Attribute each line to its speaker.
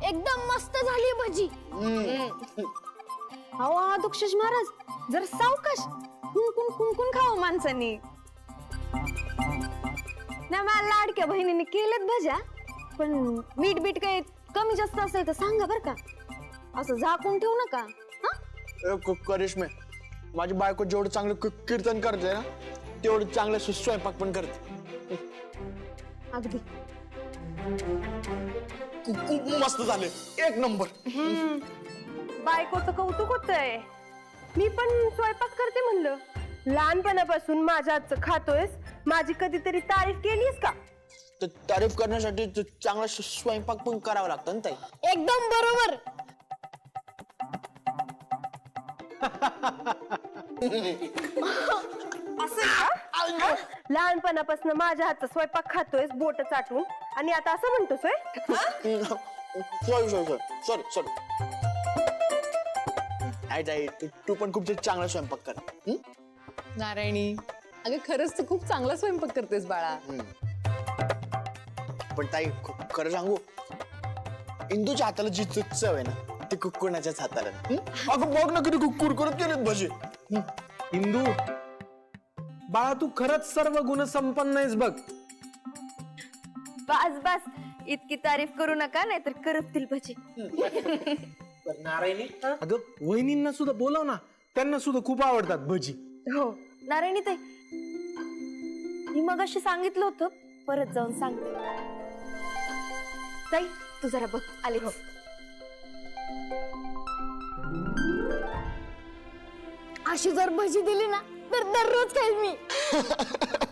Speaker 1: एकदम मस्त झाली भजी.
Speaker 2: अहो दुक्षेश महाराज जर सावकाश कुंकुन कुंकुन खावं माणसांनी. नाही मला लाडक्या बहिणीने केलेत भज्या, पण मीठ बीट काही कमी जास्त असेल तर सांगा बर का, असं झाकून ठेवू नका.
Speaker 3: करिश्मे, माझी बायको जेवढं चांगलं कीर्तन करते ना तेवढं चांगलं स्वयंपाक पण करते.
Speaker 2: अगदी
Speaker 3: मस्त झाले, एक नंबर.
Speaker 4: बायकोचं कौतुक होतंय. मी पण स्वयंपाक करते म्हणलं. लहानपणापासून माझ्या हातचं खातोयस, माझी कधीतरी तारीफ केलीस का?
Speaker 3: तारीफ करण्यासाठी चांगला स्वयंपाक पण करावा लागतं ना ताई.
Speaker 1: एकदम बरोबर.
Speaker 4: लहानपणापासून माझ्या हातचा स्वयंपाक खातोयस बोट चाटून, आणि आता असं म्हणतोय?
Speaker 3: Sorry sorry. ताई तू पण खूप चांगला स्वयंपाक कर.
Speaker 5: नारायणी, अगं खरंच तू खूप चांगला स्वयंपाक करतेस बाळा.
Speaker 3: पण ताई खरं सांगू, इंदूच्या हाताला जी चव आहे ना ती कोणाच्याच हाताला नाही. अगं बघ ना किती कुरकुरत केलेत भजे.
Speaker 6: इंदू बाळा, तू खरंच सर्व गुण संपन्न आहेस बघ.
Speaker 2: बस बस, इतकी तारीफ करू नका नाहीतर करपतील भजी.
Speaker 6: नारायणी, अगं वहिनींना सुद्धा बोलव ना, त्यांना सुद्धा खूप आवडतात भजी.
Speaker 2: हो नारायणी ताई, मी मगाशी सांगितलं होतं, परत जाऊन सांगते. ताई तू जरा बघ, आले. हो
Speaker 1: अशी जर भजी दिली ना तर दररोज खाईल मी.